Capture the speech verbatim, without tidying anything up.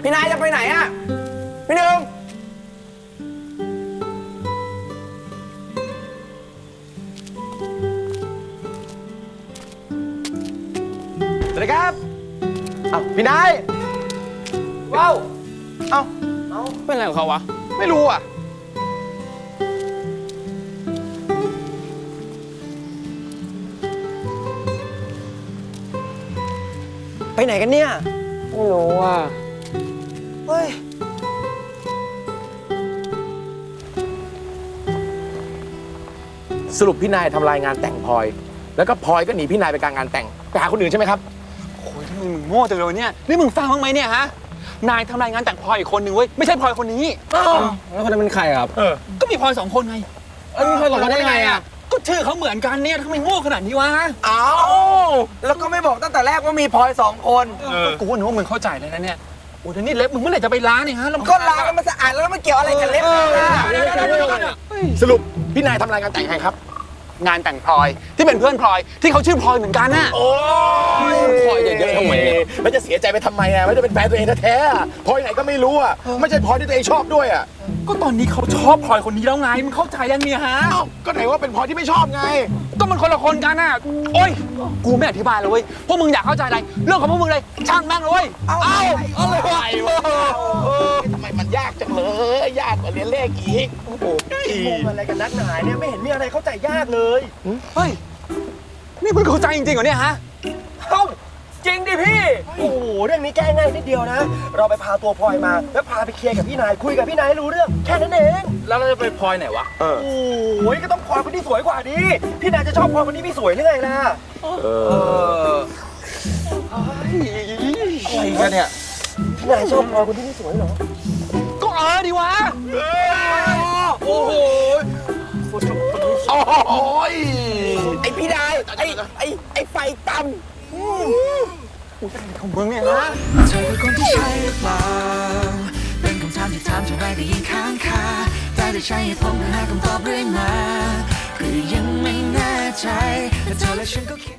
พี่นายจะไปไหนอะพี่หนึ่งสวัสดีครับอ้าวพี่นายว้าวเอ้าเอ้าเป็นอะไรของเขาวะไม่รู้อ่ะไปไหนกันเนี่ยไม่รู้อ่ะเฮ้ยสรุปพี่นายทำลายงานแต่งพลอยแล้วก็พลอยก็หนีพี่นายไปกลางงานแต่งไปหาคนอื่นใช่ไหมครับโอ้ยทำไมมึงโง่จังเลยเนี่ยนี่มึงฟังบ้างไหมเนี่ยฮะนายทำรายงานแต่งพลอยอีกคนหนึ่งเว้ยไม่ใช่พลอยคนนี้แล้วคนนั้นเป็นใครครับเออก็มีพลอยสองคนไงเออมีพลอยสองคนได้ไงอ่ะก็ชื่อเขาเหมือนกันเนี่ยทำไมโง่ขนาดนี้วะอ้าวแล้วก็ไม่บอกตั้งแต่แรกว่ามีพลอยสองคนกูว่าหนูว่ามึงเข้าใจแล้วนะเนี่ยโอ้ยนี่เล็บมึงเมื่อไหร่จะไปล้างเนี่ยฮะก็ล้างแล้วมันสะอาดแล้วมันเกี่ยวอะไรกับเล็บสรุปพี่นายทำรายงานแต่งใครครับงานแต่งพลอยที่เป็นเพื่อนพลอยที่เขาชื่อพลอยเหมือนกันน่ะโอ้ยพลอยเยอะๆทำไมเนี่ยมันจะเสียใจไปทำไมอ่ะมันจะเป็นแฟนตัวเองแท้ๆพลอยไหนก็ไม่รู้อ่ะไม่ใช่พลอยที่ตัวเองชอบด้วยอ่ะก็ตอนนี้เขาชอบพลอยคนนี้แล้วไงมึงเข้าใจยังเนี่ยฮะก็ไหนว่าเป็นพลอยที่ไม่ชอบไงก็มันคนละคนกันน่ะโอ้ยกูไม่อธิบายเลยเว้ยพวกมึงอยากเข้าใจอะไรเรื่องของพวกมึงเลยช่างแม่งเลยเอาเอาเอาเลยไหวทำไมมันยากจังเลยยากกว่าเรียนเลขอีกโอ้โหมันอะไรกันนักหนาเนี่ยไม่เห็นมีอะไรเข้าใจยากเลยเฮ้ยนี่มึงเข้าใจจริงๆเหรอเนี่ยฮะเอ้าจริงดิพี่โอ้โหเรื่องนี้แก้ง่ายนิดเดียวนะเราไปพาตัวพลอยมาแล้วพาไปเคลียร์กับพี่นายคุยกับพี่นายให้รู้เรื่องแค่นั้นเองแล้วเราจะไปพลอยไหนวะโอ้ยก็ต้องพลอยคนที่สวยกว่าดิพี่นายจะชอบพลอยคนที่ไม่สวยหรือไงล่ะเอออะไรกันเนี่ยพี่นายชอบพลอยคนที่ไม่สวยเหรอก็เออดิวะโอ้โหโอ้ยไอพี่นายไอไอไอไฟต่ำของมึงเนี่ยนะเธอคือคนที่ใช่หรือเปล่าเป็นคำถามที่ถามเท่าไรก็ยิ่งค้างคาแต่ได้ใช้เหตุผลเพื่อหาคำตอบเรื่อยมาก็ยังไม่แน่ใจแต่เธอและฉันก็คิด